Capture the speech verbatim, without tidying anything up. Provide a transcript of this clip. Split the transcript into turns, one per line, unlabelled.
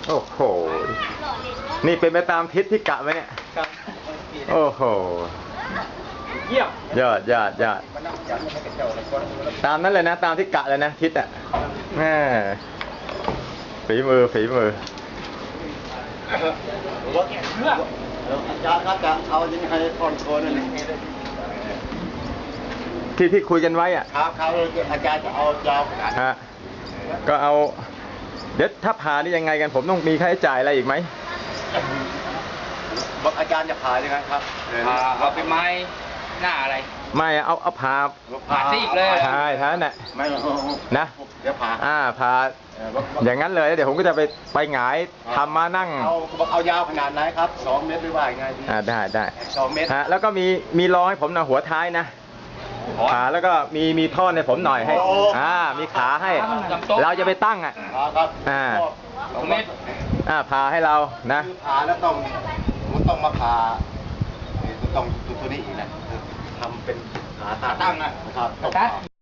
โอ้โหนี่เป็นไปตามทิศที่กะไว้เนี่ยโอ้โห
เยี่ยม
ยอดยอดยอดตามนั้นเลยนะตามที่กะเลยนะทิศอ่ะแม่ฝีมือฝีมือ
อาจารย์ครับจะเอายังไงผ่อนโคนนั่น
ที่ที่คุยกันไว้อ่ะ
ครับครับอาจารย์จะเอายาวขนาด
ฮะก็เอาเดี๋ยวถ้าผ่านี่ยังไงกันผมต้องมีค่าใช้จ่ายอะไรอีกไหม
บอกอาจารย์จะผ่ายังไงครับ
ผ่าเอาเป็นไม้หน้าอะไร
ไม่เอาเอาผ่า
ผ่าซีกเลย
ใช่ท่านน่ะ
ไม่
นะ
เดี๋ยวผ่า
อ่าผ่าอย่างนั้นเลยเดี๋ยวผมก็จะไปไปหงายทำมานั่ง
เอาเอายาวขนาดไหนครับสองเมตรหรือว่ายังไงดี
อ่าได้ได้
สองเมตร
ฮะแล้วก็มีมีรองให้ผมนะหัวท้ายนะขาแล้วก็มีมีท่อนให้ผมหน่อยให้อ่ามีขาให้เราจะไปตั้งอ่ะอ่า
สองเมตร
อ่าผ่าให้เรานะ
ผ่าแล้วต้องมันต้องมาผ่าต้องตัวนี้อีกนะทำเป็นขาตั้งนะครับ